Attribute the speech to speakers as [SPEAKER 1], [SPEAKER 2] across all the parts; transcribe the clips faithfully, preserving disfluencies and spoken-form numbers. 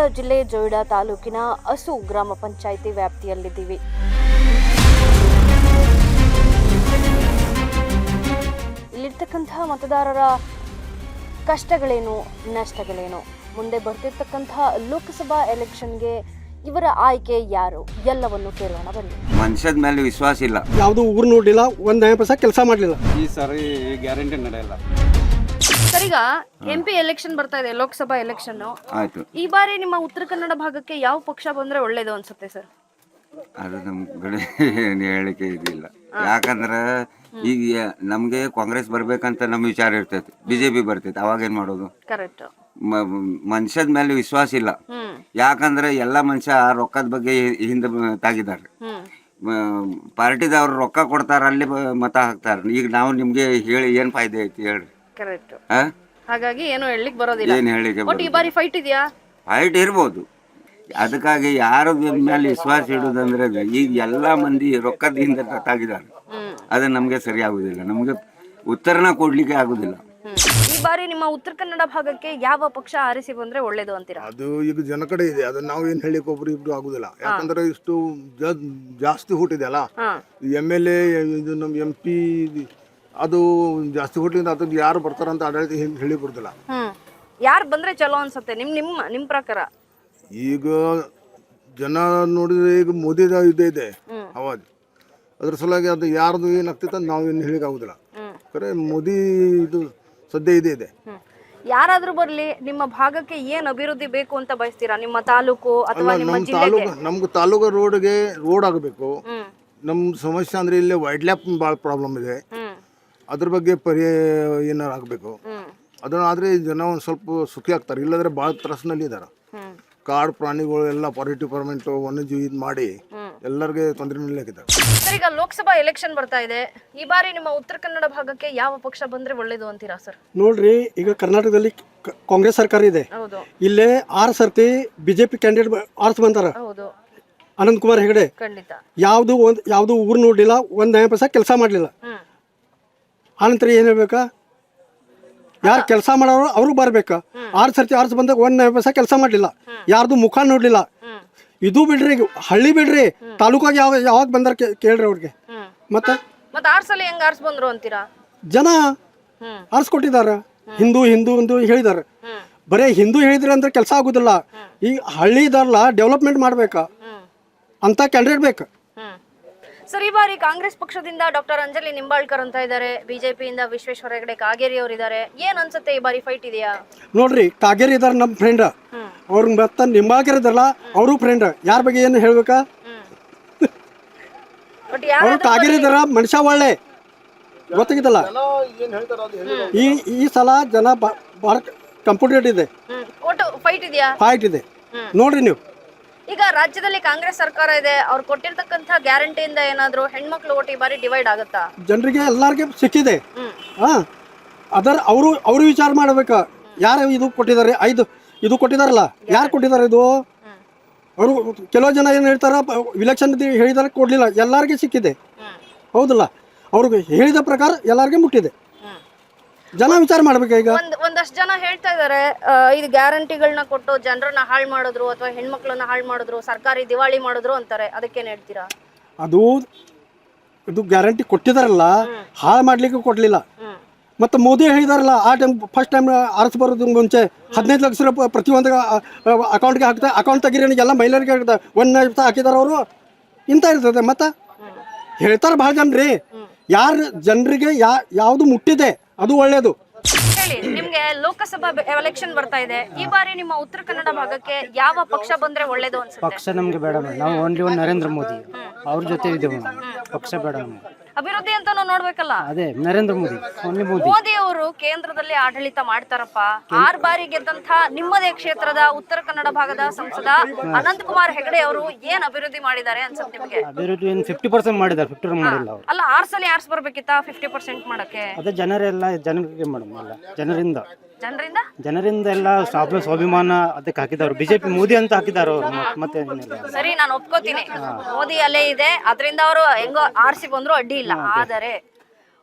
[SPEAKER 1] ಜಿಲ್ಲೆ ಜೊಯ್ಡಾ ತಾಲೂಕಿನ ಅಸು ಗ್ರಾಮ ಪಂಚಾಯಿತಿ ವ್ಯಾಪ್ತಿಯಲ್ಲಿದ್ದೀವಿ. ಇಲ್ಲಿರ್ತಕ್ಕಂತಹ ಮತದಾರರ ಕಷ್ಟಗಳೇನು, ನಷ್ಟಗಳೇನು, ಮುಂದೆ ಬರ್ತಿರ್ತಕ್ಕಂತಹ ಲೋಕಸಭಾ ಎಲೆಕ್ಷನ್ಗೆ ಇವರ ಆಯ್ಕೆ ಯಾರು ಎಲ್ಲವನ್ನು ಕೇಳೋಣ ಬನ್ನಿ.
[SPEAKER 2] ಮನುಷ್ಯದ ಮೇಲೆ ವಿಶ್ವಾಸ ಇಲ್ಲ,
[SPEAKER 3] ಯಾವುದು ಊರು ನೋಡಿಲ್ಲ, ಒಂದ್ ಪೈಸಾ ಕೆಲಸ ಮಾಡಲಿಲ್ಲ.
[SPEAKER 2] ಈ ಸಾರಿ ಗ್ಯಾರಂಟಿ ನಡೆಯಲ್ಲ.
[SPEAKER 1] ಸರ್, ಈಗ ಎಂ ಪಿ ಎಲೆಕ್ಷನ್ ಬರ್ತಾ ಇದೆ, ಲೋಕಸಭಾ ಎಲೆಕ್ಷನ್
[SPEAKER 2] ಆಯ್ತು.
[SPEAKER 1] ಈ ಬಾರಿ ನಿಮ್ಮ ಉತ್ತರ ಕನ್ನಡ ಭಾಗಕ್ಕೆ ಯಾವ ಪಕ್ಷ ಬಂದ್ರೆ ಒಳ್ಳೇದು ಅನ್ಸುತ್ತೆ ಸರ್?
[SPEAKER 2] ಅದು ನಮ್ ಕಡೆ ಏನು ಹೇಳಿಕೆ ಇದಿಲ್ಲ. ಯಾಕಂದ್ರೆ ಈಗ ನಮ್ಗೆ ಕಾಂಗ್ರೆಸ್ ಬರ್ಬೇಕಂತ ನಮ್ ವಿಚಾರ ಇರ್ತೈತಿ, ಬಿಜೆಪಿ ಬರ್ತೈತಿ, ಅವಾಗ ಏನ್ ಮಾಡೋದು?
[SPEAKER 1] ಕರೆಕ್ಟ್.
[SPEAKER 2] ಮನುಷ್ಯದ ಮೇಲೆ ವಿಶ್ವಾಸ ಇಲ್ಲ. ಯಾಕಂದ್ರೆ ಎಲ್ಲಾ ಮನುಷ್ಯ ರೊಕ್ಕದ ಬಗ್ಗೆ ಹಿಂದೆ ತಾಗಿದ್ದಾರೆ. ಪಾರ್ಟಿದವ್ರು ರೊಕ್ಕ ಕೊಡ್ತಾರ, ಅಲ್ಲಿ ಮತ ಹಾಕ್ತಾರ. ಈಗ ನಾವು ನಿಮ್ಗೆ ಹೇಳಿ ಏನ್ ಫಾಯ್ದೆ ಐತಿ ಹೇಳ್ರಿ?
[SPEAKER 1] ಕರೆಕ್ಟ್. ಹಾಗಾಗಿ ಏನು ಹೇಳಲಿಕ್ಕೆ ಬರೋದಿಲ್ಲ.
[SPEAKER 2] ಏನ್ ಹೇಳಿಕೆ
[SPEAKER 1] ಬಟ್ ಈ ಬಾರಿ ಫೈಟ್ ಇದೆಯಾ?
[SPEAKER 2] ಫೈಟ್ ಇರ್ಬೋದು. ಅದಕ್ಕಾಗಿ ಯಾರ ಮೇಲೆ ವಿಶ್ವಾಸ ಇಡುದಂದ್ರೆ ಈಗ ಎಲ್ಲಾ ಮಂದಿ ರೊಕ್ಕದಿಂದ ತಾಗಿದ್ದಾರೆ. ಅದು ನಮ್ಗೆ ಸರಿ ಆಗುದಿಲ್ಲ, ನಮ್ಗೆ ಉತ್ತರನ ಕೊಡ್ಲಿಕ್ಕೆ ಆಗುದಿಲ್ಲ.
[SPEAKER 1] ಈ ಬಾರಿ ನಿಮ್ಮ ಉತ್ತರ ಕನ್ನಡ ಭಾಗಕ್ಕೆ ಯಾವ ಪಕ್ಷ ಆರಿಸಿ ಬಂದ್ರೆ ಒಳ್ಳೇದು ಅಂತೀರಾ?
[SPEAKER 4] ಅದು ಈಗ ಜನ ಕಡೆ ಇದೆ, ಅದು ನಾವು ಏನ್ ಹೇಳಿಕ್ ಒಬ್ರು ಇಬ್ರು ಆಗುದಿಲ್ಲ. ಯಾಕಂದ್ರೆ ಇಷ್ಟು ಜಾಸ್ತಿ ಹುಟ್ಟಿದೆ ಅಲ್ಲ, ಎಮ್ ಎಲ್ ಎ ಇದು ನಮ್ ಎಂ ಪಿ ಅದು ಜಾಸ್ತಿ ಹುಟ್ಟಿಂದ ಅದು ಯಾರು ಬರ್ತಾರಂತ ಆಡಳಿತ ಹೇಳಿ ಬರುದಿಲ್ಲ.
[SPEAKER 1] ಯಾರು ಬಂದ್ರೆ ಚಲೋ ಅನ್ಸುತ್ತೆ ನಿಮ್ ನಿಮ್ಮ ನಿಮ್ ಪ್ರಕಾರ?
[SPEAKER 4] ಈಗ ಜನ ನೋಡಿದ್ರೆ ಈಗ ಮೋದಿದ ಇದೇ ಇದೆ ಅವಾಜ್, ಅದ್ರ ಸಲುವಾಗಿ ಅದು ಯಾರ್ದು ಏನಾಗ್ತೈತೆ ಅಂತ ನಾವು ಏನು ಹೇಳಿಕ್ ಆಗುದಿಲ್ಲ. ಖರೆ ಮೋದಿ ಇದು ಸದ್ಯ ಇದೆ ಇದೆ.
[SPEAKER 1] ಯಾರಾದ್ರೂ ಬರ್ಲಿ, ನಿಮ್ಮ ಭಾಗಕ್ಕೆ ಏನ್ ಅಭಿವೃದ್ಧಿ ಬೇಕು ಅಂತ ಬಯಸ್ತೀರಾ? ನಿಮ್ಮ ತಾಲೂಕು ಅಥವಾ ನಿಮ್ಮ
[SPEAKER 4] ನಮ್ಮ
[SPEAKER 1] ಜಿಲ್ಲೆಗೆ?
[SPEAKER 4] ತಾಲೂಕು ನಮ್ಗೆ ತಾಲೂಕು ರೋಡ್ಗೆ ರೋಡ್ ಆಗಬೇಕು. ನಮ್ಮ ಸಮಸ್ಯೆ ಅಂದ್ರೆ ಇಲ್ಲಿ ವೈಡ್ ಲ್ಯಾಪ್ ಭಾಳ ಪ್ರಾಬ್ಲಮ್ ಇದೆ, ಅದ್ರ ಬಗ್ಗೆ ಪರ್ಯಾಯ ಏನಾರು ಆಗಬೇಕು. ಅದನ್ನ ಆದ್ರೆ ಜನ ಒಂದು ಸ್ವಲ್ಪ ಸುಖಿ ಆಗ್ತಾರೆ, ಇಲ್ಲಂದ್ರೆ ಭಾಳ ತ್ರಾಸಿನಲ್ಲಿ ಇದ್ದಾರೆ. ಕಾಡು ಪ್ರಾಣಿಗಳು ಎಲ್ಲ ಫಾರೆಸ್ಟ್ ಡಿಪಾರ್ಟ್ಮೆಂಟ್ ವನ್ಯಜೀವಿ ಇದು ಮಾಡಿ ಎಲ್ಲರಿಗೆ ತೊಂದರೆ ನೀಡಲಾಗಿದೆ.
[SPEAKER 1] ಸರ್, ಈಗ ಲೋಕಸಭಾ ಎಲೆಕ್ಷನ್ ಬರ್ತಾ ಇದೆ, ಈ ಬಾರಿ ನಿಮ್ಮ ಉತ್ತರ ಕನ್ನಡ ಭಾಗಕ್ಕೆ ಯಾವ ಪಕ್ಷ ಬಂದ್ರೆ ಒಳ್ಳೇದು ಅಂತೀರಾ ಸರ್?
[SPEAKER 3] ನೋಡ್ರಿ, ಈಗ ಕರ್ನಾಟಕದಲ್ಲಿ ಕಾಂಗ್ರೆಸ್ ಸರ್ಕಾರ ಇದೆ.
[SPEAKER 1] ಹೌದು.
[SPEAKER 3] ಇಲ್ಲೇ ಆರು ಸರ್ತಿ ಬಿಜೆಪಿ ಕ್ಯಾಂಡಿಡೇಟ್ ಆರ್ಸ್ ಬಂದಾರ.
[SPEAKER 1] ಹೌದು.
[SPEAKER 3] ಅನಂತ್ ಕುಮಾರ್ ಹೆಗಡೆ
[SPEAKER 1] ಖಂಡಿತ.
[SPEAKER 3] ಯಾವ್ದು ಒಂದ್ ಯಾವ್ದು ಊರು ನೋಡ್ಲಿಲ್ಲ, ಒಂದ್ ನಯ ಪೈಸಾ ಕೆಲಸ ಮಾಡ್ಲಿಲ್ಲ. ಆನಂತರ ಏನ್ ಹೇಳ್ಬೇಕಾ? ಯಾರು ಕೆಲಸ ಮಾಡೋರು ಅವ್ರು ಬರ್ಬೇಕ. ಆರು ಸರ್ತಿ ಆರ್ಸ್ ಬಂದಾಗ ಒಂದ್ ನಯ ಪೈಸಾ ಕೆಲಸ ಮಾಡ್ಲಿಲ್ಲ, ಯಾರ್ದು ಮುಖ ನೋಡ್ಲಿಲ್ಲ. ಇದು ಬಿಡ್ರಿ, ಹಳ್ಳಿ ಬಿಡ್ರಿ, ತಾಲೂಕಾಗ ಯಾವ ಯಾವಾಗ ಬಂದಾರ ಕೇಳ್ರಿ ಅವ್ರಿಗೆ. ಮತ್ತೆ
[SPEAKER 1] ಮತ್ತೆ ಆರ್ ಸಲ ಹೆಂಗ್ ಆರ್ಸ್ ಬಂದ್ರು ಅಂತೀರಾ?
[SPEAKER 3] ಜನ ಆರಿಸ್ಕೊಟ್ಟಿದಾರ. ಹಿಂದೂ ಹಿಂದೂ ಎಂದು ಹೇಳಿದಾರೆ. ಬರೇ ಹಿಂದೂ ಹೇಳಿದ್ರೆ ಅಂದ್ರೆ ಕೆಲಸ ಆಗುದಿಲ್ಲ. ಈ ಹಳ್ಳಿ ಇದಾರಲ್ಲ, ಡೆವಲಪ್ಮೆಂಟ್ ಮಾಡ್ಬೇಕ ಅಂತ ಕ್ಯಾಂಡಿಡೇಟ್ ಬೇಕು.
[SPEAKER 1] ಸರ್, ಈ ಬಾರಿ ಕಾಂಗ್ರೆಸ್ ಪಕ್ಷದಿಂದ ಡಾಕ್ಟರ್ ಅಂಜಲಿ ನಿಂಬಾಳ್ಕರ್ ಅಂತ ಇದ್ದಾರೆ, ಬಿಜೆಪಿಯಿಂದ ವಿಶ್ವೇಶ್ವರ ಹೆಗಡೆ ಕಾಗೇರಿ ಅವರು ಇದ್ದಾರೆ. ಏನ್ ಅನ್ಸುತ್ತೆ, ಈ ಬಾರಿ ಫೈಟ್ ಇದೆಯಾ?
[SPEAKER 3] ನೋಡ್ರಿ, ಕಾಗೇರಿ ಇದಾರ ನಮ್ಮ ಫ್ರೆಂಡ್, ಅವ್ರ ಮತ್ತ ನಿಂಬಾಳ್ಕರ್ ಇದಾರಲ್ಲ ಅವರು ಫ್ರೆಂಡ್. ಯಾರ ಬಗ್ಗೆ ಏನು ಹೇಳ್ಬೇಕಾ? ಅವ್ರು ಕಾಗೇರಿ ಇದಾರ, ಮನುಷ್ಯ ಒಳ್ಳೆ, ಗೊತ್ತಾಗಿದ್ದಲ್ಲ. ಈ ಈ ಸಲ ಜನ ಭಾಳ ಕಂಪ್ಯೂಟರ್ ಇದೆ,
[SPEAKER 1] ಫೈಟ್ ಇದೆಯಾ?
[SPEAKER 3] ಫೈಟ್ ಇದೆ. ನೋಡ್ರಿ ನೀವು,
[SPEAKER 1] ಈಗ ರಾಜ್ಯದಲ್ಲಿ ಕಾಂಗ್ರೆಸ್ ಸರ್ಕಾರ ಇದೆ, ಅವ್ರು ಕೊಟ್ಟಿರ್ತಕ್ಕಂಥ ಗ್ಯಾರಂಟಿಯಿಂದ ಏನಾದ್ರು ಹೆಣ್ಮಕ್ಳು ಓಟ್ ಈ ಬಾರಿ ಡಿವೈಡ್ ಆಗುತ್ತಾ?
[SPEAKER 3] ಜನರಿಗೆ ಎಲ್ಲಾರ್ಗೆ ಸಿಕ್ಕಿದೆ. ಹಾ, ಅದರ ಅವರು ಅವರು ವಿಚಾರ ಮಾಡ್ಬೇಕ. ಯಾರು ಇದು ಕೊಟ್ಟಿದ್ದಾರೆ, ಐದು ಇದು ಕೊಟ್ಟಿದಾರಲ್ಲ, ಯಾರು ಕೊಟ್ಟಿದ್ದಾರೆ ಇದು? ಅವರು ಕೆಲವು ಜನ ಏನು ಹೇಳ್ತಾರ, ಇಲೆಕ್ಷನ್ ಹೇಳಿದಾರೆ ಕೊಡ್ಲಿಲ್ಲ, ಎಲ್ಲಾರ್ಗೆ ಸಿಕ್ಕಿದೆ. ಹೌದಲ್ಲ? ಅವ್ರಿಗೆ ಹೇಳಿದ ಪ್ರಕಾರ ಎಲ್ಲಾರ್ಗೆ ಮುಟ್ಟಿದೆ. ಜನ ವಿಚಾರ ಮಾಡ್ಬೇಕು. ಈಗ
[SPEAKER 1] ಒಂದಷ್ಟು ಜನ ಹೇಳ್ತಾ ಇದಾರೆ, ಇದು ಗ್ಯಾರಂಟಿಗಳನ್ನ ಕೊಟ್ಟು ಜನರನ್ನ ಹಾಳು ಮಾಡಿದ್ರು ಅಥವಾ ಹೆಣ್ಮಕ್ಳನ್ನ ಹಾಳು ಮಾಡಿದ್ರು, ಸರ್ಕಾರಿ ದಿವಾಳಿ ಮಾಡಿದ್ರು ಅಂತಾರೆ. ಅದಕ್ಕೇನ್ ಹೇಳ್ತೀರಾ?
[SPEAKER 3] ಅದು ಇದು ಗ್ಯಾರಂಟಿ ಕೊಟ್ಟಿದಾರಲ್ಲ, ಹಾಳು ಮಾಡ್ಲಿಕ್ಕೆ ಕೊಡ್ಲಿಲ್ಲ. ಮತ್ತೆ ಮೋದಿ ಹೇಳಿದಾರಲ್ಲ, ಆ ಟೈಮ್ ಫಸ್ಟ್ ಟೈಮ್ ಆರ್ಸ್ ಬರೋದು ಮುಂಚೆ ಹದಿನೈದು ಲಕ್ಷ ರೂಪಾಯಿ ಪ್ರತಿಯೊಂದು ಅಕೌಂಟ್ಗೆ ಹಾಕ್ತಾರೆ. ಅಕೌಂಟ್ ತೆಗೀರಿ ಎಲ್ಲ ಮಹಿಳೆಯರಿಗೆ ಹಾಕ್ತಾರೆ. ಒಂದು ಹಾಕಿದಾರ ಅವರು ಇಂಥ ಇರ್ತದೆ. ಮತ್ತೆ ಹೇಳ್ತಾರೆ ಭಾಳ ಜನ್ರಿ, ಯಾರು ಜನರಿಗೆ ಯಾ ಯಾವುದು ಮುಟ್ಟಿದೆ ಅದು ಒಳ್ಳೇದು.
[SPEAKER 1] ಹೇಳಿ, ನಿಮ್ಗೆ ಲೋಕಸಭಾ ಎಲೆಕ್ಷನ್ ಬರ್ತಾ ಇದೆ, ಈ ಬಾರಿ ನಿಮ್ಮ ಉತ್ತರ ಕನ್ನಡ ಭಾಗಕ್ಕೆ ಯಾವ ಪಕ್ಷ ಬಂದ್ರೆ ಒಳ್ಳೇದು ಅನ್ಸುತ್ತೆ?
[SPEAKER 5] ಪಕ್ಷ ನಮ್ಗೆ ಬೇಡ, ನಾವು ಓನ್ಲಿ ಒಂದು ನರೇಂದ್ರ ಮೋದಿ ಅವ್ರ ಜೊತೆ ಇದ್ದೇವೆ. ಪಕ್ಷ ಬೇಡ,
[SPEAKER 1] ಅಭಿವೃದ್ಧಿ ಅಂತ ನೋಡ್ಬೇಕಲ್ಲ.
[SPEAKER 5] ಅದೇ ನರೇಂದ್ರ ಮೋದಿ, ಓನ್ಲಿ ಮೋದಿ.
[SPEAKER 1] ಮೋದಿ ಅವರು ಕೇಂದ್ರದಲ್ಲಿ ಆಡಳಿತ ಮಾಡ್ತಾರಪ್ಪ. ಆರ್ ಬಾರಿ ಗೆದ್ದಂತ ನಿಮ್ಮದೇ ಕ್ಷೇತ್ರದ ಉತ್ತರ ಕನ್ನಡ ಭಾಗದ ಸಂಸದ ಅನಂತ್ ಕುಮಾರ್ ಹೆಗಡೆ ಅವರು ಏನ್ ಅಭಿವೃದ್ಧಿ ಮಾಡಿದ್ದಾರೆ ಅನ್ಸುತ್ತೆ ನಿಮ್ಗೆ?
[SPEAKER 5] ಅಭಿವೃದ್ಧಿ ಏನು ಫಿಫ್ಟಿ ಪರ್ಸೆಂಟ್ ಮಾಡಿದ್ದಾರೆ, ಫಿಫ್ಟಿ ಮಾಡಿಲ್ಲ ಅವರು.
[SPEAKER 1] ಅಲ್ಲ, ಆರ್ ಸಲ ಆರ್ಸ್ ಬರ್ಬೇಕಿತ್ತ ಫಿಫ್ಟಿ ಪರ್ಸೆಂಟ್ ಮಾಡಕ್ಕೆ?
[SPEAKER 5] ಅದೇ ಜನರೆಲ್ಲ ಜನರಿಗೆ ಮೇಡಮ್, ಅಲ್ಲ ಜನರಿಂದ
[SPEAKER 1] ಜನರಿಂದ
[SPEAKER 5] ಜನರಿಂದ ಎಲ್ಲ ಸ್ವಾಭಿ ಸ್ವಾಭಿಮಾನ ಅದಕ್ಕೆ ಹಾಕಿದವರು. ಬಿಜೆಪಿ ಮೋದಿ ಅಂತ ಹಾಕಿದಾರ ಅವರು. ಮತ್ತೆ
[SPEAKER 1] ಸರಿ, ನಾನು ಒಪ್ಕೋತೀನಿ, ಮೋದಿ ಅಲ್ಲೇ ಇದೆ, ಅದರಿಂದ ಅವರು ಹೆಂಗೋ ಆರ್ಸಿ ಬಂದ್ರು ಅಡ್ಡಿ ಇಲ್ಲ. ಆದರೆ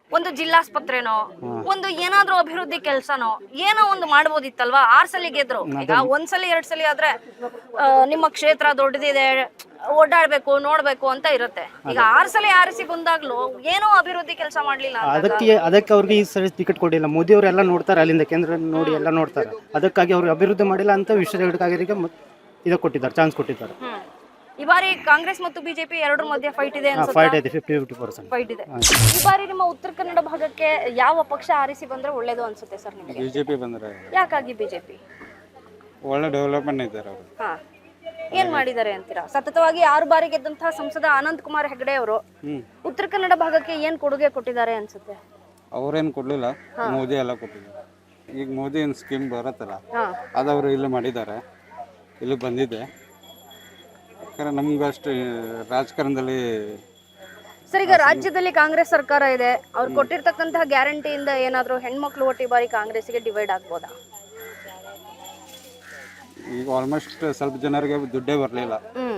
[SPEAKER 1] ಒಂದು ಜಿಲ್ಲಾಸ್ಪತ್ರೆನೋ ಒಂದು ಏನಾದ್ರೂ ಅಭಿವೃದ್ಧಿ ಕೆಲ್ಸನೋ ಏನೋ ಒಂದು ಮಾಡ್ಬೋದಿತ್ತಲ್ವಾ? ಆರ್ ಸಲ ಗೆದ್ರು, ಈಗ ಒಂದ್ಸಲ ಎರಡ್ ಸಲ ಆದ್ರೆ ಆ, ನಿಮ್ಮ ಕ್ಷೇತ್ರ ದೊಡ್ಡದಿದೆ, ಓಡಾಡ್ಬೇಕು ನೋಡ್ಬೇಕು ಅಂತ ಇರುತ್ತೆ. ಈಗ ಆರ್ ಸಲ ಆರಿಸಿ ಬಂದಾಗ್ಲೂ ಏನೋ ಅಭಿವೃದ್ಧಿ ಕೆಲಸ ಮಾಡ್ಲಿಲ್ಲ ಅಂದಾಗ
[SPEAKER 5] ಅದಕ್ಕೆ ಅದಕ್ಕೆ ಅವ್ರಿಗೆ ಈ ಸರಿ ಟಿಕೆಟ್ ಕೊಟ್ಟಿಲ್ಲ. ಮೋದಿ ಅವರೆಲ್ಲ ನೋಡ್ತಾರೆ, ಅಲ್ಲಿಂದ ಕೇಂದ್ರ ನೋಡಿ ಎಲ್ಲ ನೋಡ್ತಾರೆ. ಅದಕ್ಕಾಗಿ ಅವ್ರು ಅಭಿವೃದ್ಧಿ ಮಾಡಿಲ್ಲ ಅಂತ ವಿಶ್ವಗಳಿಗೆ ಇದು ಕೊಟ್ಟಿದ್ದಾರೆ, ಚಾನ್ಸ್ ಕೊಟ್ಟಿದ್ದಾರೆ.
[SPEAKER 1] ಹ್ಮ್. ಈ ಬಾರಿ ಕಾಂಗ್ರೆಸ್ ಮತ್ತು ಬಿಜೆಪಿ ಎರಡರ ಮಧ್ಯೆ ಫೈಟ್ ಇದೆ ಅನ್ಸುತ್ತಾ?
[SPEAKER 5] ಫೈಟ್ ಇದೆ, ಫಿಫ್ಟಿ ಫಿಫ್ಟಿ ಪರ್ಸೆಂಟ್
[SPEAKER 1] ಫೈಟ್ ಇದೆ. ಈ ಬಾರಿ ನಿಮ್ಮ ಉತ್ತರ ಕನ್ನಡ ಭಾಗಕ್ಕೆ ಯಾವ ಪಕ್ಷ ಆರಿಸಿ ಬಂದ್ರೆ ಒಳ್ಳೇದು ಅನ್ಸುತ್ತೆ ಸರ್ ನಿಮಗೆ?
[SPEAKER 6] ಬಿಜೆಪಿ ಬಂದ್ರೆ
[SPEAKER 1] ಯಾಕಾಗಿ ಬಿಜೆಪಿ?
[SPEAKER 6] ಒಳ್ಳೆ ಡೆವಲಪ್ಮೆಂಟ್ ಇದ್ದಾರೆ ಅವರು.
[SPEAKER 1] ಹಾ, ಏನ್ ಮಾಡಿದ್ದಾರೆ ಅಂತೀರಾ? ಸತತವಾಗಿ ಆರು ಬಾರಿ ಗೆದ್ದಂತಹ ಸಂಸದ ಅನಂತ್ ಕುಮಾರ್ ಹೆಗಡೆ ಅವರು ಉತ್ತರ ಕನ್ನಡ ಭಾಗಕ್ಕೆ ಏನ್ ಕೊಡುಗೆ ಕೊಟ್ಟಿದ್ದಾರೆ ಅನ್ಸುತ್ತೆ?
[SPEAKER 6] ಅವ್ರೇನು ಕೊಡ್ಲಿಲ್ಲ, ಮೋದಿ ಎಲ್ಲ ಕೊಟ್ಟಿದ್ದಾರೆ. ಈಗ ಮೋದಿ ಏನು ಸ್ಕೀಮ್ ಬರುತ್ತಲ್ಲ,
[SPEAKER 1] ಹಾ,
[SPEAKER 6] ಅದು ಅವರು ಇಲ್ಲಿ ಮಾಡಿದ್ದಾರೆ, ಇಲ್ಲಿ ಬಂದಿದೆ. ಯಾಕಂದ್ರೆ ನಮ್ಗೆ ಅಷ್ಟು ರಾಜಕಾರಣದಲ್ಲಿ
[SPEAKER 1] ಸರ್ ಈಗ ರಾಜ್ಯದಲ್ಲಿ ಕಾಂಗ್ರೆಸ್ ಸರ್ಕಾರ ಇದೆ, ಅವ್ರು ಕೊಟ್ಟಿರ್ತಕ್ಕಂತಹ ಗ್ಯಾರಂಟಿಯಿಂದ ಏನಾದ್ರೂ ಹೆಣ್ಮಕ್ಳು ಒಟ್ಟು ಈ ಬಾರಿ ಕಾಂಗ್ರೆಸ್ಗೆ ಡಿವೈಡ್ ಆಗ್ಬೋದಾ?
[SPEAKER 6] ಈಗ ಆಲ್ಮೋಸ್ಟ್ ಸ್ವಲ್ಪ ಜನರಿಗೆ ದುಡ್ಡೇ ಬರಲಿಲ್ಲ.
[SPEAKER 1] ಹ್ಮ್,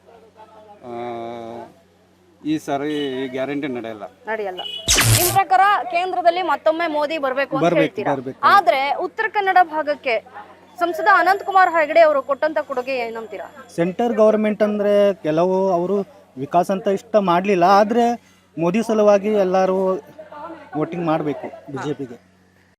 [SPEAKER 6] ಈ ಸಾರಿ ಈ ಗ್ಯಾರಂಟಿ ನಡೆಯಲ್ಲ.
[SPEAKER 1] ನಡೆಯಲ್ಲ. ನಿಮ್ ಪ್ರಕಾರ ಕೇಂದ್ರದಲ್ಲಿ ಮತ್ತೊಮ್ಮೆ ಮೋದಿ ಬರ್ಬೇಕು ಅಂತ ಹೇಳ್ತೀರಾ, ಆದ್ರೆ ಉತ್ತರ ಕನ್ನಡ ಭಾಗಕ್ಕೆ ಸಂಸದ ಅನಂತ್ ಕುಮಾರ್ ಹೆಗಡೆ ಅವರು ಕೊಟ್ಟಂತ ಕೊಡುಗೆ ಏನಂತೀರಾ?
[SPEAKER 7] ಸೆಂಟರ್ ಗೌರ್ಮೆಂಟ್ ಅಂದರೆ ಕೆಲವು ಅವರು ವಿಕಾಸ ಅಂತ ಇಷ್ಟ ಮಾಡಲಿಲ್ಲ, ಆದರೆ ಮೋದಿ ಸಲುವಾಗಿ ಎಲ್ಲರೂ ವೋಟಿಂಗ್ ಮಾಡಬೇಕು ಬಿ ಜೆ ಪಿಗೆ.